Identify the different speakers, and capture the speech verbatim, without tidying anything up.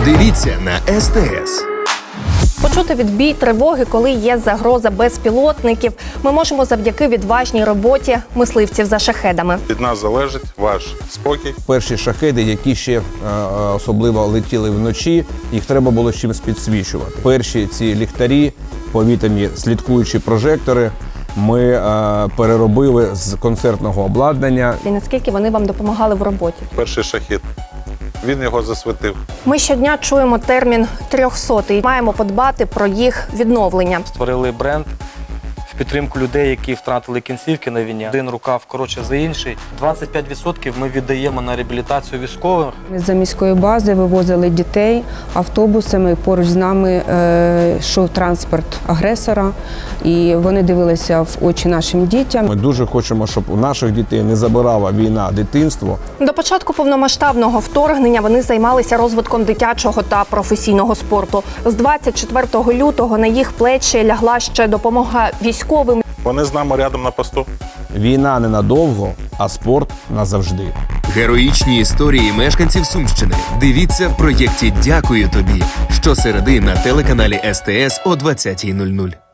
Speaker 1: Дивіться на ес те ес.
Speaker 2: Почути відбій тривоги, коли є загроза безпілотників, ми можемо завдяки відважній роботі мисливців за шахедами.
Speaker 3: Від нас залежить ваш спокій.
Speaker 4: Перші шахеди, які ще е, особливо летіли вночі, їх треба було чимось підсвічувати. Перші ці ліхтарі, повітряні слідкуючі прожектори, ми е, переробили з концертного обладнання.
Speaker 2: І наскільки вони вам допомагали в роботі?
Speaker 3: Перший шахід. Він його засвітив.
Speaker 2: Ми щодня чуємо термін трьохсотий. Маємо подбати про їх відновлення.
Speaker 5: Створили бренд в підтримку людей, які втратили кінцівки на війні. Один рукав коротше за інший. двадцять п'ять відсотків ми віддаємо на реабілітацію військових.
Speaker 6: З-за міської бази вивозили дітей автобусами. Поруч з нами е, йшов транспорт агресора, і вони дивилися в очі нашим дітям.
Speaker 4: Ми дуже хочемо, щоб у наших дітей не забирала війна дитинство.
Speaker 2: До початку повномасштабного вторгнення вони займалися розвитком дитячого та професійного спорту. З двадцять четвертого лютого на їх плечі лягла ще допомога військовим.
Speaker 3: Вони з нами рядом на посту.
Speaker 4: Війна ненадовго, а спорт назавжди.
Speaker 1: Героїчні історії мешканців Сумщини. Дивіться в проєкті «Дякую тобі» щосереди на телеканалі ес те ес о двадцятій нуль нуль.